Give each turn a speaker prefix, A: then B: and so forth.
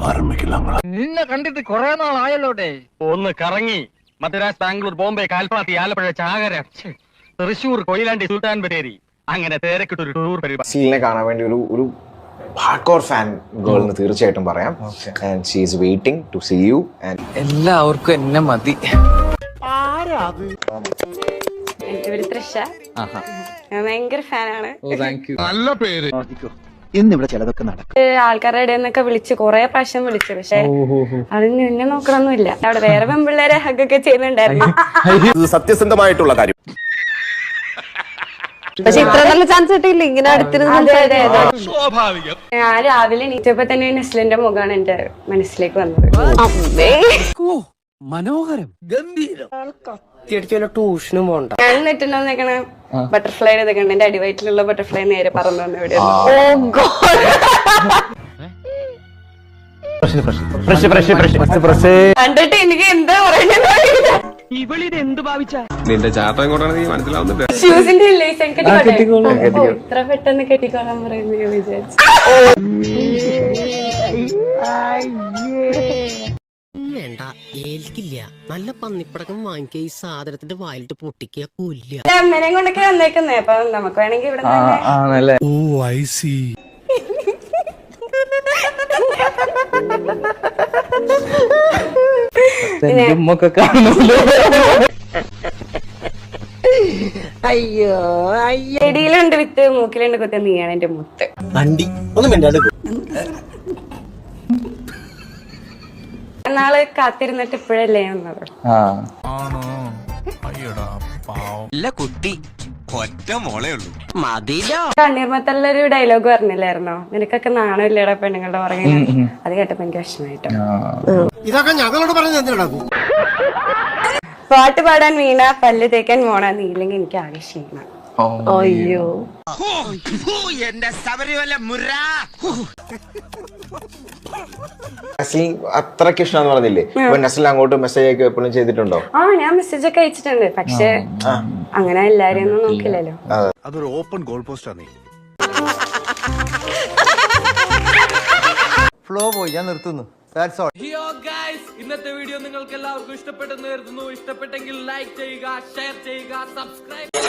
A: നിന്നെ കണ്ടിട്ട് കുറെ നാളായല്ലോട്ടെ. ഒന്ന് കറങ്ങി മദ്രാസ്, ബാംഗ്ലൂർ, ബോംബെ, കാൽപ്പാത്തി, ആലപ്പുഴ, ചാകര, തൃശൂർ, കൊയിലാണ്ടി, സുൽത്താൻ ബത്തേരി, അങ്ങനെ തേരക്കിട്ടൊരു ടൂർ പരിപാടി.
B: നസ്ലിനെ കാണാൻ വേണ്ടി ഒരു ഹാർഡ്കോർ ഫാൻ ഗേൾ എന്ന് തീർച്ചയായിട്ടും പറയാം. And she is waiting to see you. And
A: എല്ലാവർക്കും എന്നെ മതി.
C: എന്റെ പേര് തൃഷ. ഞാൻ ഭയങ്കര ഫാനാണ്.
A: നല്ല പേര്.
D: ഇന്നിവിടെ ചിലതൊക്കെ നടക്കും.
C: ആൾക്കാരുടെ ഇടയിൽ നിന്നൊക്കെ വിളിച്ച് കൊറേ പ്രാവശ്യം വിളിച്ചു. പക്ഷെ അതിന് നിന്നെ നോക്കണമൊന്നുമില്ല. അവിടെ വേറെ പെൺപിള്ളേരെ ഹഗ്ഗൊക്കെ ചെയ്യുന്നുണ്ടായിരുന്നു.
E: ഇത് സത്യസന്ധമായിട്ടുള്ള കാര്യം.
C: പക്ഷെ ഇത്ര നല്ല ചാൻസ് കിട്ടിയില്ല ഇങ്ങനെ അടുത്തിരുന്ന്. ഞാൻ രാവിലെ എണീറ്റപ്പോ തന്നെ നസ്ലിന്റെ മുഖമാണ് എന്റെ മനസ്സിലേക്ക് വന്നത്.
A: മനോഹരം, ഗംഭീരം.
D: ട്യൂഷനും പോണ്ട.
C: ഞാൻ നെറ്റുണ്ടോ നിക്കണ ബട്ടർഫ്ലൈ ഇതൊക്കെയുണ്ട്. എന്റെ അടിവയറ്റിലുള്ള ബട്ടർഫ്ലൈ നേരെ പറന്നു വന്നു. എവിടെ കണ്ടിട്ട് എനിക്ക് എന്താ പറയുന്നത്.
A: ഇവളിത് എന്ത് ഭാവിച്ച
E: നിന്റെ ചാട്ടം എങ്ങോട്ടാണ് നീ മനസ്സിലാവുന്നില്ല.
C: ഷ്യൂസിന്റെ ഇത്ര പെട്ടെന്ന് കെട്ടിക്കോളാൻ പറയുന്നു ഞാൻ വിചാരിച്ചു.
F: വേണ്ട, ഏൽക്കില്ല. നല്ല പന്നിപ്പടക്കം വാങ്ങിക്കുക, ഈ സാധനത്തിന്റെ വായിലിട്ട് പൊട്ടിക്കുക, കൊല്ല.
C: അമ്മേനെയും കൊണ്ടൊക്കെ വന്നേക്കുന്നേ. അപ്പൊ നമുക്ക് വേണമെങ്കിൽ ഇവിടെ
F: അയ്യോ
C: ചെടിയിലുണ്ട് വിത്ത്, മൂക്കിലുണ്ട് കുത്ത്, നീയാണ് എന്റെ മുത്ത്.
D: വണ്ടി ഒന്നും വേണ്ട.
C: നാള് കാത്തിരുന്നിട്ട് ഇപ്പോഴല്ലേ വന്നത്.
G: കുട്ടി ഒറ്റ മോളേ ഉള്ളൂ.
C: തണ്ണീർമത്തല്ലൊരു ഡയലോഗ് പറഞ്ഞില്ലായിരുന്നോ, നിനക്കൊക്കെ നാണമില്ലേടാ പെണ്ണുങ്ങളുടെ പുറകെ. അത് കേട്ടപ്പോ എനിക്ക് വിഷമായിട്ടോ.
D: ഇതൊക്കെ ഞങ്ങളോട് പറഞ്ഞു എന്തിനാ?
C: പാട്ട് പാടാൻ വീണ, പല്ല് തേക്കാൻ മോണ, നീല്ലെങ്കിൽ എനിക്ക് ആകെ ക്ഷീണം. അയ്യോ
G: എന്റെ ശബരിമല മുര.
B: നസ്ലിൻ അത്രയ്ക്ക് ഇഷ്ടമാണെന്ന് പറഞ്ഞില്ലേ? അപ്പൊ നസ്ലിൻ അങ്ങോട്ട് മെസ്സേജ് ഒക്കെ എപ്പോഴും ചെയ്തിട്ടുണ്ടോ?
C: ഞാൻ മെസ്സേജ് ഒക്കെ അയച്ചിട്ടുണ്ട്. പക്ഷെ അങ്ങനെ എല്ലാരും ഒന്നും നോക്കില്ലല്ലോ.
E: അതൊരു ഓപ്പൺ ഗോൾ പോസ്റ്റ് ആണ്.
D: ഫ്ലോ പോയി, ഞാൻ നിർത്തുന്നു.
A: ഇന്നത്തെ വീഡിയോ നിങ്ങൾക്ക് എല്ലാവർക്കും ഇഷ്ടപ്പെട്ടെന്ന് കരുതുന്നു. ഇഷ്ടപ്പെട്ടെങ്കിൽ ലൈക്ക് ചെയ്യുക, ഷെയർ ചെയ്യുക, സബ്സ്ക്രൈബ്